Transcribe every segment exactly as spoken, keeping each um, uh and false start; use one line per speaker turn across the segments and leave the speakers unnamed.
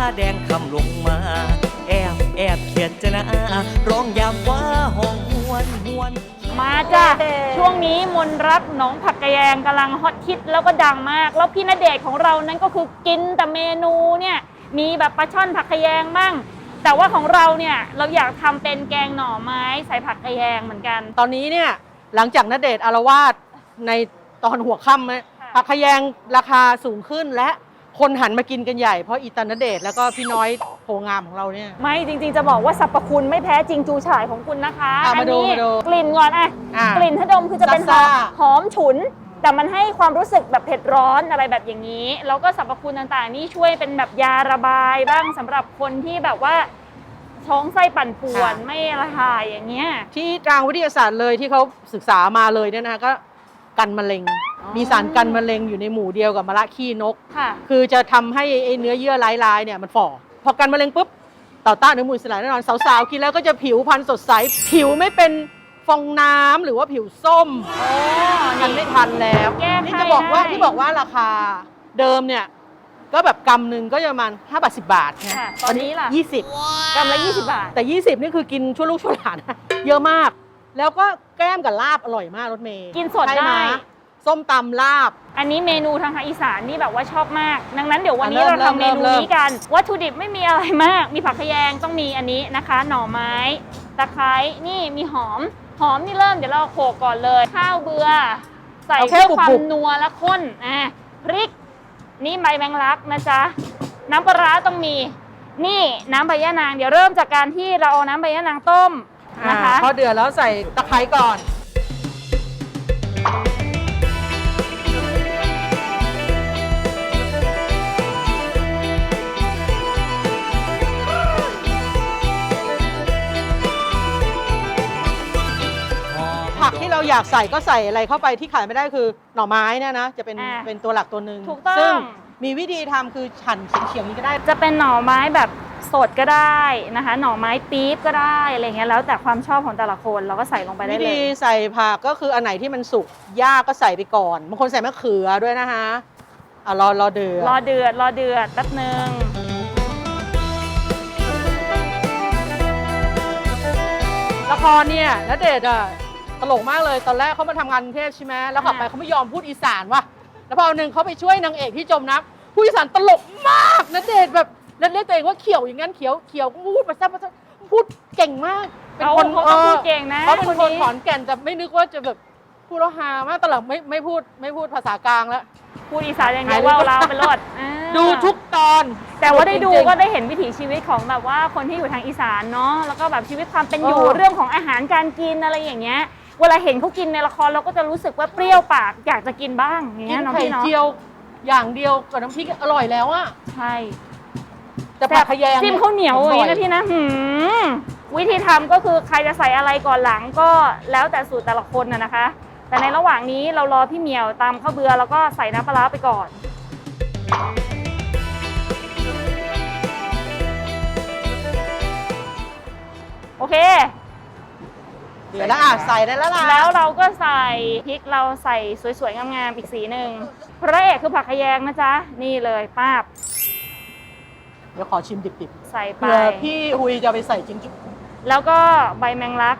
แดงคำลงมาแอบแอบเขียนจะนะร้องยามว่าห้องหวนหวน
มาจ้ะช่วงนี้มนรักหนองผักกะแยงกำลังฮอตฮิตแล้วก็ดังมากแล้วพี่ณเดชน์ของเรานั้นก็คือกินแต่เมนูเนี่ยมีแบบปลาช่อนผักกะแยงบ้างแต่ว่าของเราเนี่ยเราอยากทำเป็นแกงหน่อไม้ใส่ผักกะแยงเหมือนกัน
ตอนนี้เนี่ยหลังจากณเดชน์อาละวาดในตอนหัวค่ำเนี่ยผักกะแยงราคาสูงขึ้นและคนหันมากินกันใหญ่เพราะอีตาณเดชน์แล้วก็พี่น้อยโพงามของเราเนี่ย
ไม่จริงๆจะบอกว่าสรรพคุณไม่แพ้จริงจูฉ่ายของคุณนะคะ
อัน
นี้กลิ่นก่อนอ่ะกลิ่นถ้าดมคือจะเป็นหอมหอมฉุนแต่มันให้ความรู้สึกแบบเผ็ดร้อนอะไรแบบอย่างนี้แล้วก็สรรพคุณต่างๆนี่ช่วยเป็นแบบยาระบายบ้างสำหรับคนที่แบบว่าท้องไส้ปั่นป่วนไม่ระหายอย่างเงี้ย
ที่ทางวิทยาศาสตร์เลยที่เขาศึกษามาเลยเนี่ยนะคะก็กันมะเร็งมีสารกันมะเร็งอยู่ในหมู่เดียวกับมะระขี้นกคือจะทำให้ไอ้เนื้อเยื่อลายๆเนี่ยมันฝ่อพอกันมะเร็งปุ๊บต่อต้านอนุมูลอิสระแน่นอนสาวๆกินแล้วก็จะผิวพรรณสดใสผิวไม่เป็นฟองน้ำหรือว่าผิวส้มทันไม่ทันแล้วนี่จะบอกว่าที่บอกว่าราคาเดิมเนี่ยก็แบบกำหนึ่งก็จะประมาณห้าบาทสิบบาทไง
ตอนนี้ล่ะ
ยี่สิบ
กำละยี่สิบบาท
แต่ยี่สิบนี่คือกินชั่วลูกชั่วหลานเยอะมากแล้วก็แก้มกับลาบอร่อยมากรถเมย์
กินสดได้
ส้มตำลาบ
อันนี้เมนูทางภาคอีสานนี่แบบว่าชอบมากดังนั้นเดี๋ยววันนี้เราทำเมนูนี้กันวัตถุดิบไม่มีอะไรมากมีผักขยงต้องมีอันนี้นะคะหน่อไม้ตะไคร้นี่มีหอมหอมนี่เริ่มเดี๋ยวเราโขลกก่อนเลยข้าวเบื่อใส่เพื่อความนัวและข้นอ่ะพริกนี่ใบแมงลักนะจ๊ะน้ำปลาร้าต้องมีนี่น้ำใบยะนางเดี๋ยวเริ่มจากการที่เราเอาน้ำใบยะนางต้มนะคะ
พอเดือดแล้วใส่ตะไคร้ก่อนผักที่เราอยากใส่ก็ใส่อะไรเข้าไปที่ขายไม่ได้คือหน่อไม้เนี่ยนะจะเป็นเป็นตัวหลักตัวหนึ่ง
ถูกต้อง
ซึ่งมีวิธีทำคือหั่นเฉียงๆนี้ก็ได้
จะเป็นหน่อไม้แบบสดก็ได้นะคะหน่อไม้ปี๊บก็ได้อะไรเงี้ยแล้วแต่ความชอบของแต่ละคนเราก็ใส่ลงไปได้เลย
วิธีใส่ผักก็คืออันไหนที่มันสุกยากก็ใส่ไปก่อนบางคนใส่มะเขือด้วยนะคะอ่ะรอรอเดือด
รอเดือดรอเดือดแป๊บนึง
ละครเนี่ยณเดชน์อ่ะตลกมากเลยตอนแรกเขามาทำงานกรุงเทพใช่ไหมแล้วกลับไปเขาไม่ยอมพูดอีสานว่ะแล้วพอหนึ่งเขาไปช่วยนางเอกที่จมน้ำพูดอีสานตลกมากณเดชน์แบบนั่นเรียกตัวเองว่าเขียวอย่างนั้นเขียวเขียวก็พูดภาษาภาษาพูดเก่งมาก
เป็นคนเขาพูดเก่งนะ
เขาเป็นคนขอนแก่นแต่ไม่นึกว่าจะแบบพูดแล้วฮามากตลอดไม่ไม่พูดไม่พูดภาษากลางแล้ว
พูดอีสานอย่างเดียวว่าเราเป็นรถ
ดูทุกตอน
แต่ว่าได้ดูก็ได้เห็นวิถีชีวิตของแบบว่าคนที่อยู่ทางอีสานเนาะแล้วก็แบบชีวิตความเป็นอยู่เรื่องของอาหารการกินอะไรอย่างเงี้ยเวลาเห็นเขากินในละครเราก็จะรู้สึกว่าเปรี้ยวปากอยากจะกินบ้างอย่างเงี้ยน้องพี่เนาะ
ไข่เจียวอย่างเดียวกับน้ำพริกอร่อยแล้วอ่ะ
ใช่
แต่ผักขยง
จิ้มข้าวเหนียวอย่างนี้นะพี่นะวิธีทำก็คือใครจะใส่อะไรก่อนหลังก็แล้วแต่สูตรแต่ละคนนะนะคะแต่ในระหว่างนี้เรารอพี่เหมียวตำข้าวเบื่อแล้วก็ใส่น้ำปลาร้าไปก่อนโอเค
เดี๋ยวแล้วอ่ะใส่ได้แล้วล่ะ
แล้วเราก็ใส่พริกเราใส่สวยๆงามๆอีกสีหนึ่งพระเอกคือผักขยงนะจ๊ะนี่เลยป้าบ
เดี๋ยวขอชิมดิบ
ๆใส่ไป
เผื่อพี่ฮุยจะไปใส่จริงจุ๊บ
แล้วก็ใบแมงลัก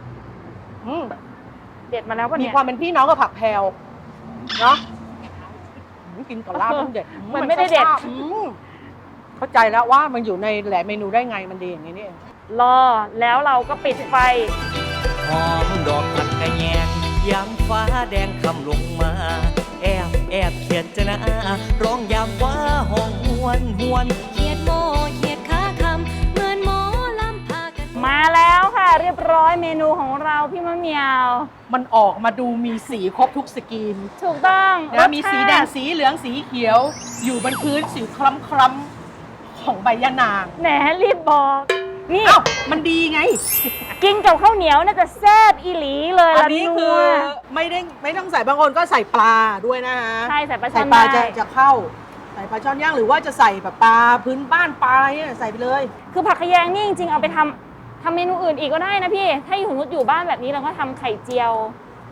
เด็ดมาแล้วป่ะเนี่ย
มีความเป็นพี่น้องกับผักแพรวเนาะกินกับลาบมันเด็ด
มันไม่ได้เด็ด
เข้าใจแล้วว่ามันอยู่ในแหล่เมนูได้ไงมันดีอย่างนี้นี่เอง
รอแล้วเราก็ปิดไฟ
หอมดอกผักกะแยงยามฟ้าแดงคำลงมาแอบแอบเขียนจะนะร้องยามว่าห้องหวนหวน
เขียดโมเขียดขาคำเหมือนหมอลำพากัน
มาแล้วค่ะเรียบร้อยเมนูของเราพี่มะเหมียว
มันออกมาดูมีสีครบทุกสกรีน
ถูกต้อง
นะมีสีแดงสีเหลืองสีเขียวอยู่บนพื้นสีคล้ำๆของใบยะนาง
แหนรีบบอกนี่
อ้าวมันดีไง
กินกับข้าวเหนียวน่าจะแซ่บอีหลีเลย
อันนี้คือไม่ได้ไม่ต้องใส่บางคนก็ใส่ปลาด้วยนะฮะ
ใช่ใส่ปลาช่อน
ใส่ปลาจะจะเข้าใส่ปลาช่อนย่างหรือว่าจะใส่แบบปลาพื้นบ้านปลาอะไรเนี่ยใส่ไปเลย
คือผักขยงนี่จริงๆเอาไปทำทำเมนูอื่นอีกก็ได้นะพี่ถ้าอยู่สมมติอยู่บ้านแบบนี้เราก็ทำไข่เจียว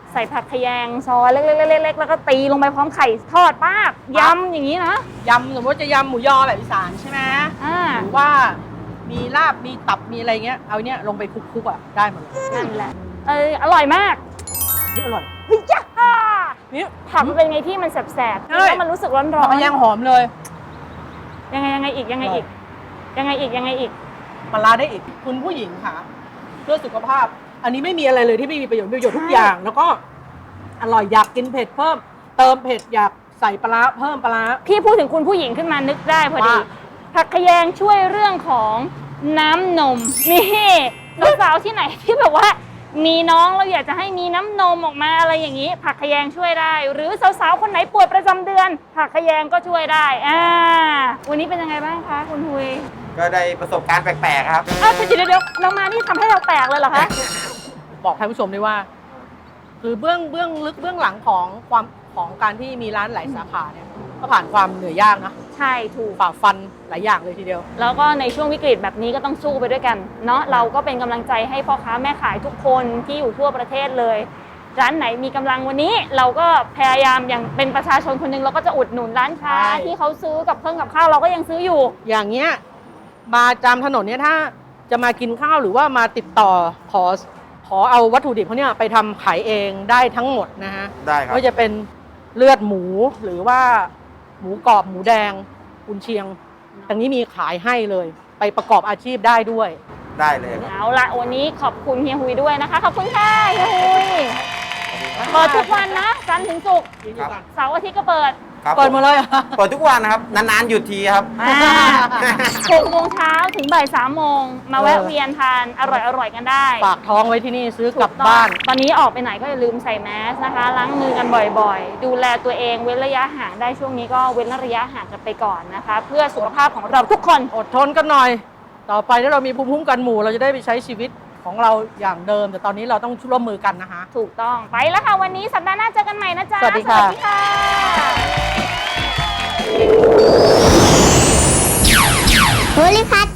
ใส่ผักขยงซอยเล็กๆๆๆแล้วก็ตีลงไปพร้อมไข่ทอดปากยำอย่างนี้นะ
ยำสมมติจะยำหมูยอแบบอีสานใช่ไหม
อ่า
หรือว่ามีลาบมีตับมีอะไรเงี้ยเอาเนี้ยลงไปคลุกๆอ่ะได้หมดเลย
นั่นแหละเอออร่อยมาก
นี่อร่อย
เฮ้ยจ้า
นี่
ผักมันเป็นไงที่มันแสบๆ
ใช่
แล้วมันรู้สึกร้อน
ผักกระแยงหอมเลย
ๆยังไงยังไงอีกยังไงอีก ยังไงอีกยังไงอีก
ปลาร้าได้อีกคุณผู้หญิงค่ะ เพื่อสุขภาพ อันนี้ไม่มีอะไรเลยที่ไม่มีประโยชน์มีประโยชน์ทุกอย่าง แล้วก็อร่อยอยากกินเผ็ดเพิ่ม เติมเผ็ดอยากใส่ปลาร้าเพิ่มปลาร้า
พี่พูดถึงคุณผู้หญิงขึ้นมานึกได้พอดี
ว่า
ผักขยงช่วยเรื่องของน้ำนมนี่สาวๆที่ไหนที่แบบว่า มีน้องเราอยากจะให้มีน้ำนมออกมาอะไรอย่างนี้ ผักขยงช่วยได้ หรือสาวๆคนไหนปวดประจำเดือน ผักขยงก็ช่วยได้อ่าวันนี้เป็นยังไงบ้างคะคุณหุย
ก็ได้ประสบการณ์แปลกๆครับ
อ้าวเดี๋ยวเดี๋ยวเรามานี่ทำให้เราแปลกเลยเหรอคะ
บอกท่านผู้ชมด้วยว่า คือเบื้องเบื้องลึกเบื้องหลังของความของการที่มีร้านหลายสาขาเนี่ยก็ผ่านความเหนื่อยยากนะ
ใช่ถูก
ฝ่าฟันหลายอย่างเลยทีเดียว
แล้วก็ในช่วงวิกฤตแบบนี้ก็ต้องสู้ไปด้วยกันเนาะเราก็เป็นกำลังใจให้พ่อค้าแม่ขายทุกคนที่อยู่ทั่วประเทศเลย ร้านไหนมีกำลังวันนี้เราก็พยายามอย่างเป็นประชาชนคนหนึ่งเราก็จะอุดหนุนร้านค้า
ใช่
ที่เขาซื้อกับเครื่องกับข้าวเราก็ยังซื้ออยู่
อย่างเงี้ยมาจามถนนเนี่ยถ้าจะมากินข้าวหรือว่ามาติดต่อขอขอเอาวัตถุดิบเขาเนี่ยไปทำขายเองได้ทั้งหมดนะฮะ
ได้ครับ
ก็จะเป็นเลือดหมูหรือว่าหมูกรอบหมูแดงกุนเชียงอย่างนี้มีขายให้เลย ไปประกอบอาชีพได้ด้วย
ได้เลยครับ
เอาละวันนี้ขอบคุณเฮียหุยด้วยนะคะขอบคุณค่ะเฮียหุยเปิดทุกวันนะจันทร์ถึงศุกร์
ครับ
เสาร์อาทิตย์ก็เปิด
ครับ
เปิดหมาเลยเหรอ
เปิดทุกวันนะครับ นานๆหยุดทีครับ
หกโมงเช้าถึงบ่ายสามโมงมาแวะเวียนทานอร่อยๆกันได้
ฝากท้องไว้ที่นี่ซื้อกลับบ้าน
ตอนนี้ออกไปไหนก็อย่าลืมใส่แมสนะคะ ล้างมือกันบ่อยๆ ดูแลตัวเองเว้นระยะห่างได้ช่วงนี้ก็เว้นระยะห่างกันไปก่อนนะคะ เพื่อสุขภาพของเราทุกคน
อดทนกันหน่อย ต่อไปถ้าเรามีภูมิคุ้มกันหมู่เราจะได้ไปใช้ชีวิตของเราอย่างเดิม แต่ตอนนี้เราต้องร่วมมือกันนะคะ
ถูกต้องไปแล้วค่ะวันนี้สัปดาห์หน้าเจอกันใหม่นะจ๊ะ
สวัสดีค่ะ
สวัสดีค่ะ
โพลิพัท